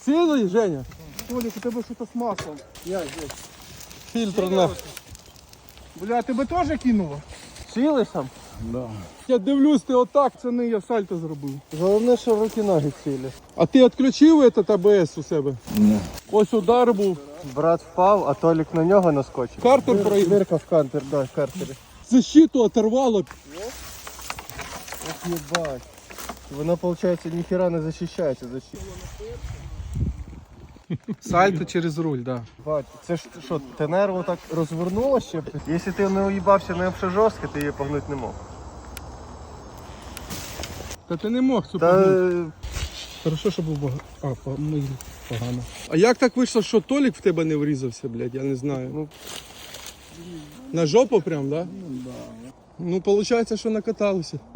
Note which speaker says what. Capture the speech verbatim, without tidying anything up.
Speaker 1: Цілий, Женя?
Speaker 2: Толік, у тебе щось з маслом. Я здесь.
Speaker 1: Фільтр на.
Speaker 2: Бля, тебе теж кинуло?
Speaker 1: Цілий сам?
Speaker 2: Да.
Speaker 1: Я дивлюсь, ти отак.
Speaker 2: Це не я сальто зробив.
Speaker 1: Головне, що руки-ноги цілі. А ти відключив этот А Б С у себе?
Speaker 2: Ні.
Speaker 1: Ось удар був.
Speaker 3: Брат впав, а Толік на нього наскочив.
Speaker 1: Картер проїхав.
Speaker 3: Дирка в кантер, да, в картері.
Speaker 1: Защиту оторвало.
Speaker 3: Ох, єбать. Вона, виходить, ніхера не захищається защита.
Speaker 1: Сальто через руль, да.
Speaker 3: Бать, це ж що, те нерво так розвернуло ще? Якщо ти не уїбався не обше жорстко, ти її погнути не мог.
Speaker 1: Та ти не мог цю
Speaker 3: Та
Speaker 1: погнути. Хорошо, що був багато. А, по- ми- погано. А як так вийшло, що Толік в тебе не врізався, блядь, я не знаю.
Speaker 3: Ну,
Speaker 1: На жопу прям, да? Ну, да. Ну, виходить, що накаталися.